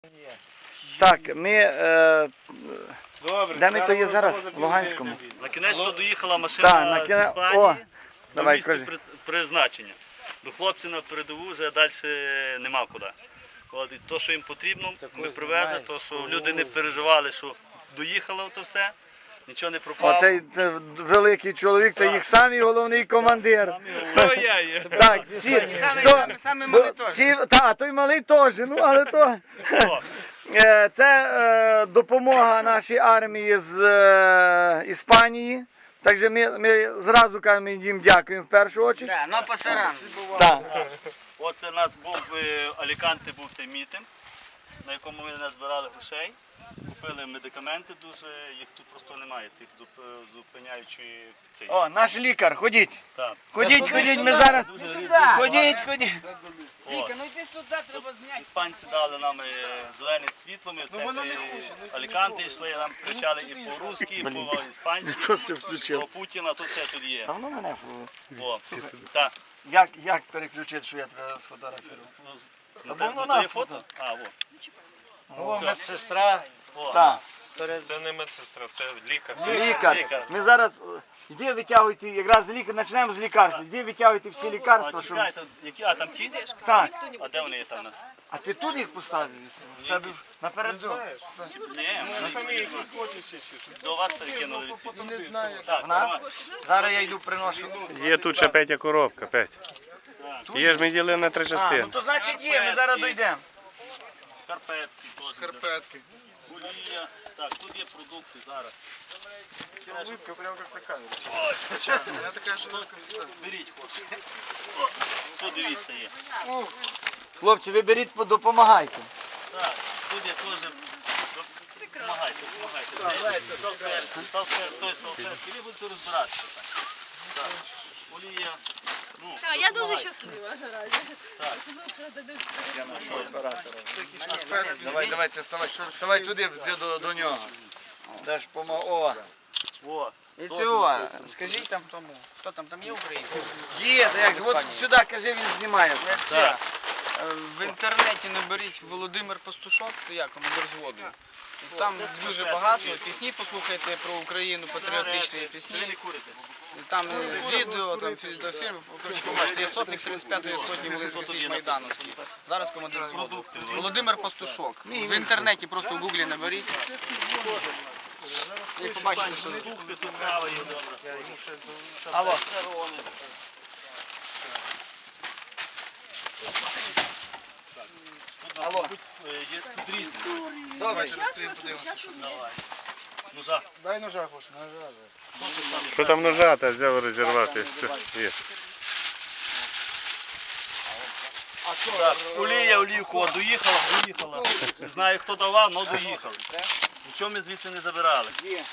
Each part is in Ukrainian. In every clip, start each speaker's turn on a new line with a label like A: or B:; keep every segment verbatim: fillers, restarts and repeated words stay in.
A: Так, ми... Е, Добре, де ми то є зараз? В Луганському.
B: На кінець то доїхала машина
A: Так, на
B: з
A: кінець...
B: Іспанії
A: О,
B: до
A: давай,
B: місця
A: кажи.
B: при- призначення. До хлопців на передову вже далі нема куди. От, і то, що їм потрібно, ми привезли, то, що люди не переживали, що доїхало то все, нічого не пропало.
A: Оцей е, великий чоловік, це їх самий головний командир.
B: То я є.
A: Так, ці, то, бо, ці, та, той малий теж, ну але то... Е, Це е, допомога нашій армії з е, Іспанії. Так що ми, ми зразу кажемо їм дякуємо в першу чергу.
C: Да, но пасаран.
A: Так.
B: Оце у нас був в Аліканте був цей мітинг, на якому ми назбирали грошей, купили медикаменти дуже, їх тут просто немає, цих зуп- зупиняючої цей.
A: О, наш лікар, ходіть.
B: Так.
A: Ходіть, ходіть, ми зараз.
B: Дуже
C: сюди.
A: Ходіть, ходіть.
B: От.
C: Віка, ну йди сюди, треба зняти.
B: Іспанці дали нам е, зелене світло, ми це Аліканти йшли, нам кричали і по-русски, і по-іспанськи, про Путіна, то все тут є.
A: Та воно мене.
B: О, так.
A: Як, як переключити, що я тебе сфотографірую?
B: Ну,
A: бо
B: те-
A: воно
B: ну, то є
A: нас
B: фото? А, во.
A: О, медсестра.
B: О.
A: Так.
D: Це не медсестра, це лікар.
A: Лікар.
B: Лікар.
A: Ми зараз, е, йди витягуйте, якраз лікар, почнемо з лікарства. Йди витягуйте всі
B: А,
A: лікарства, щоб...
B: чекайте, які, а там ті?
A: Так.
B: А де вони є там у нас?
A: А ти тут їх поставив? В себе напередок?
B: Ні, ми до вас перекинули ці. Так,
A: В нас?
B: тримай.
A: Зараз я йду приношу.
D: Є тут ще Петя коробка, Петь. Є ж ми ділили на три
A: А,
D: частини.
A: ну то значить є, ми зараз дійдемо.
B: Шкарпетки теж. Шкарпетки. Олія. Так, тут є продукти зараз.
E: Улыбка прям как на камере.
B: Я така ж беріть, хлопці. О, тут дивіться є.
A: Хлопці, ви беріть, допомагайте.
B: Так, тут є теж. Допомагайте, допомагайте. Салфетки, салфетки, стой, салфетки. Ви будете розбиратися. Так. Олія. Ну,
F: Так, я дуже
B: допомагайте.
F: щаслива наразі.
B: Так.
A: Давай, давай, ти вставай. Вставай туди, де до, до нього. Даш помо... О.
B: О,
C: І цього, скажіть там тому, хто там, там є українці?
A: Є, та як же, от сюди, кажи, він знімає.
C: Це, е, в інтернеті наберіть Володимир Пастушок, це я, командир взводу. І там дуже багато, пісні послухайте про Україну, патріотичні
B: ви
C: пісні.
B: не курите.
C: І там е, відео, там фільм, коротше, побачите, є сотник тридцять п'ятої сотні Волинської Січ Майдановський. Зараз командир взводу. Володимир Пастушок. В інтернеті просто в гуглі наберіть. І побачите, що...
B: Продукти тут кава є добре.
A: Алло. Алло.
B: Тут е, є тут різні.
A: Добре.
B: Давай. Ножа.
E: Дай ножа, Гоша.
D: Що там нажати, взяв розірвати. Все, є.
B: Так, олія, олівку, от доїхала, доїхала. Не знаю, хто давав, але доїхали. Нічого ми звідси не забирали.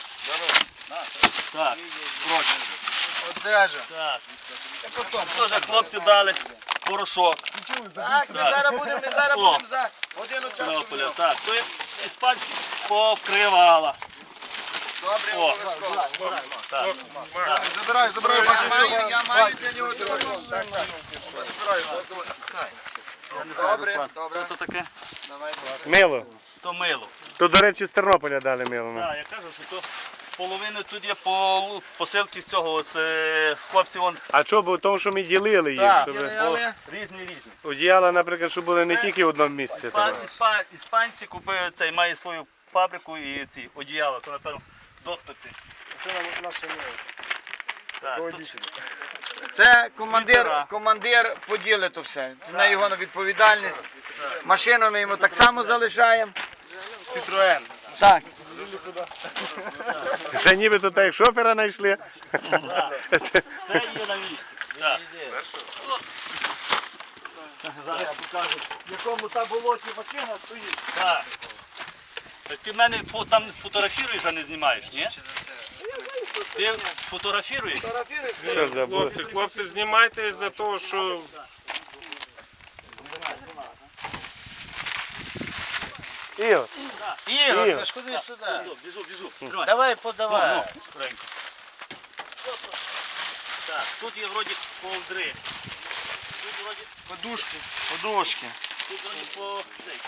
B: Так, прочі.
E: Одежа.
B: Так. Теж хлопці дали порошок.
A: Так, ми зараз будемо, ми зараз
B: О.
A: будемо за годину часу.
B: Тернополя. Так, то є іспанські покривала.
A: Добре,
B: О.
A: обов'язково.
B: Так.
E: Забирай, забирай.
A: Я маю, я маю для нього телефон. Добре, добре.
B: Що то таке?
D: Мило.
B: То мило.
D: Тут, до речі, з Тернополя дали мило. ну.
B: Так, я кажу, що то половину тут є по посилки з цього, з е, з хлопців вон
D: А що, бо тому, що ми ділили їх,
B: Так,
D: щоб
A: Але
B: різні різні.
D: одіяла, наприклад, щоб були не тільки в одному місці.
B: Іспан,
D: там.
B: іспан, іспанці купили цей, має свою фабрику і ці одіяла, то напевно доступи.
E: Це наше мило.
B: Так, тут
A: це командир,
B: Світера.
A: командир поділить то все. На його відповідальність. Машину ми йому так само залишаємо.
B: Citroen.
A: Так.
D: Ще нібито так як шофера знайшли.
B: Це є на місці. Так. Зараз я покажу.
A: В якому та болоті машина стоїть.
B: Так. Так ти мене фо- там фотографіруєш, а не знімаєш, ні? Ти фотографіруєш?
D: Що забув?
G: Хлопці, хлопці, знімайте за того, що
D: Ігор,
C: Ігор,
D: Ігор.
C: ти ж куди сюди?
B: Біжу, біжу, біжу. Тримай.
C: Давай, подавай.
B: Ну, скоренько. Так, тут є вроді ковдри. Тут вроді
A: Подушки. Подушки.
B: Тут вроді по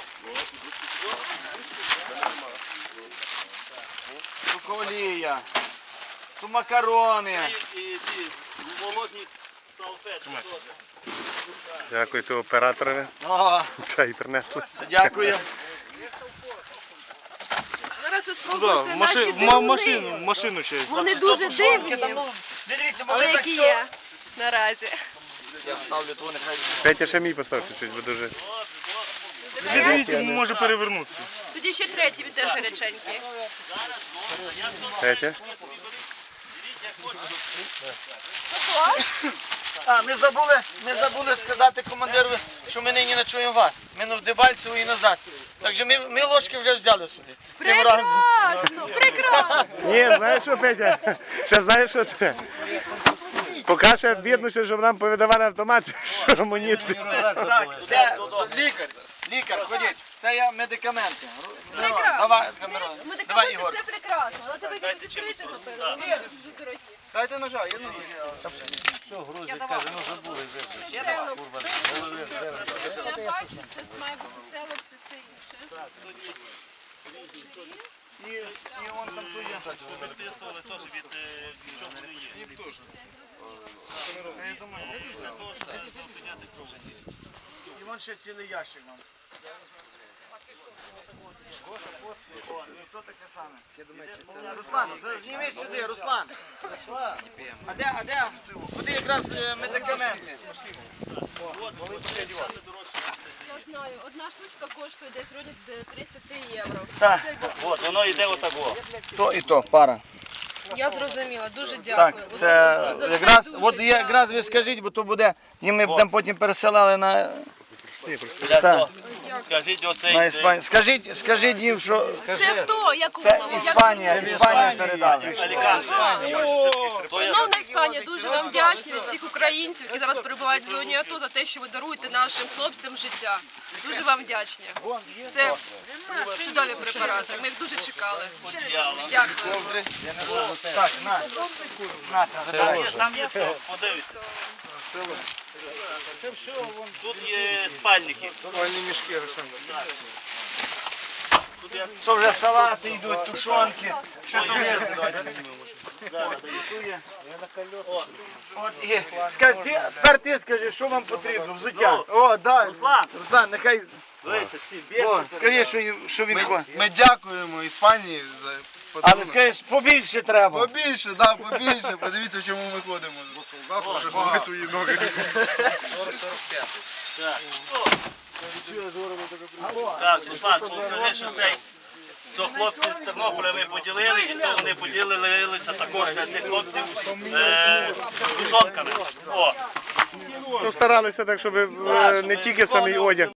A: Тут олія, тут макарони.
B: і ці молодні салфетки теж.
D: Дякую операторові.
A: О,
D: Чай принесли.
A: дякую.
F: Зараз ви спробуєте наші дивини.
G: машину ще.
F: Вони дуже дивні,
A: Дивіться,
F: але які є наразі.
A: Я ставлю ту, нехай.
D: Петя ще мій постав чуть-чуть, бо дуже.
G: Дивіться, може перевернутися.
F: Тоді ще третій, він теж гаряченький.
D: Петя.
A: А, ми забули, ми забули сказати командиру, що ми нині ночуємо вас. Ми на Дебальцеву і назад. Так що ми, ми ложки вже взяли собі. Тим разом.
F: Прекрасно, прекрасно.
D: Ні, знаєш що, Петя? Ще знаєш що ти? Поки ще бідно, щоб нам повидавали автомат, що амуніцію.
A: Так, це лікар. Лікар, ходіть. Це є медикаменти. Мирон, Давай, Мирон. Давай, Ігор.
F: Це прекрасно, але тебе якось відкрити, напевно. Вони дуже дорогі.
E: Дайте ножа, є ножа.
F: Я бачу, це має бути село, це все інше.
A: І, і вон там тут є.
B: Виписували теж від е, чого вони є.
A: І вон ще цілий ящик вам. Хто таке саме? Руслан, зніміть сюди, Руслан. А де, а де? Куди якраз е, медикаменти?
F: Я знаю, одна штучка коштує десь вроді тридцять євро.
A: Так,
B: От, воно йде отак. о.
A: то і то, пара.
F: Я зрозуміла, дуже
A: Так,
F: дякую.
A: це
F: За
A: якраз,
F: дуже
A: от є, якраз ви скажіть, бо то буде, і ми будемо потім пересилали на,
B: Для
A: Так.
B: цього. Скажіть оцей.
A: на
B: е,
A: Іспанію. Скажіть, скажіть їм, що
F: Це хто? Як
A: це Іспанія, Іспанія передала.
F: Шановна Іспанія, дуже вам вдячні від всіх українців, які зараз перебувають в зоні АТО, за те, що ви даруєте нашим хлопцям життя. Дуже вам вдячні. Це чудові препарати. Ми їх дуже чекали. Дякую.
A: Так, на. На, забирай.
B: Там є все, подивіться. Тут є спальники.
E: Спальні мішки, Рошан.
A: То вже салати йдуть, тушонки. Що то є? От, і, скажи, ти, тепер ти скажи, що вам потрібно, взуття. О, дай.
B: Руслан,
A: Руслан, нехай,
B: дивися, ці
A: о, скажи, що, їм- що він хоче.
E: Ми дякуємо Іспанії за
A: Але
E: подарунок.
A: скажеш, побільше треба.
E: Побільше, да, побільше. Подивіться, в чому ми ходимо. Бо солдат вже зробили свої ноги.
B: Так, Руслан, покажи, що цей. То хлопці з Тернополя ми поділили, і то вони поділилися також на цих хлопців е, тушонками. О,
D: Ну, старалися так, щоб е, не тільки самий одяг.